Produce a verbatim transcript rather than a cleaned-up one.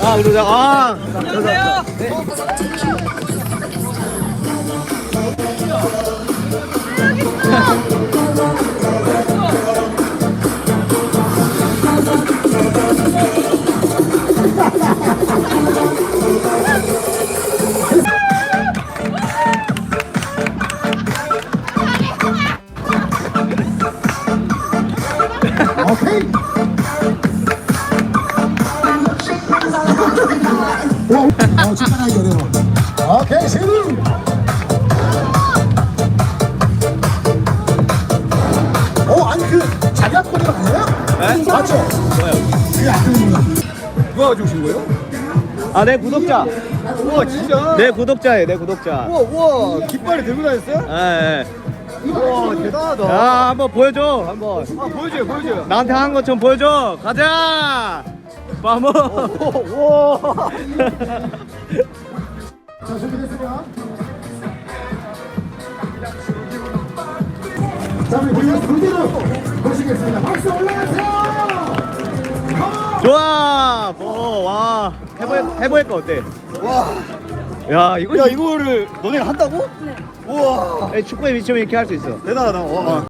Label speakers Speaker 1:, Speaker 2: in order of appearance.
Speaker 1: 아, 그러자. 아,
Speaker 2: 안녕하세요.
Speaker 3: 오케이. 오, 어, 집중하기 어려워. 오케이, 세븐. 어, 아니 그 자기 앞거리 아니에요?
Speaker 1: 네?
Speaker 3: 맞죠?
Speaker 1: 뭐요?
Speaker 3: 그게 안 되는 거야.
Speaker 2: 누가 가져오신 거예요?
Speaker 1: 아, 내 구독자.
Speaker 2: 우와 진짜.
Speaker 1: 내 구독자예요, 내 구독자.
Speaker 2: 우와 우와 깃발이 들고 다녔어요?
Speaker 1: 예, 예.
Speaker 2: 우와 대단하다.
Speaker 1: 야, 한번 보여줘, 한번.
Speaker 2: 아 보여줘요 보여줘요.
Speaker 1: 나한테 한 것처럼 보여줘. 가자. 마모.
Speaker 2: 우와.
Speaker 3: 자, 준비됐으면. 자, 우리 무대 무대로 모시겠습니다. 박수 올라가세요.
Speaker 1: 좋아. 뭐, 와. 해보 해보니까 어때?
Speaker 2: 와.
Speaker 1: 야, 이거
Speaker 2: 야 이거를 너네가 한다고? 네. 우와
Speaker 1: 축구에 미치면 이렇게 할 수 있어.
Speaker 2: 대단하다. 와.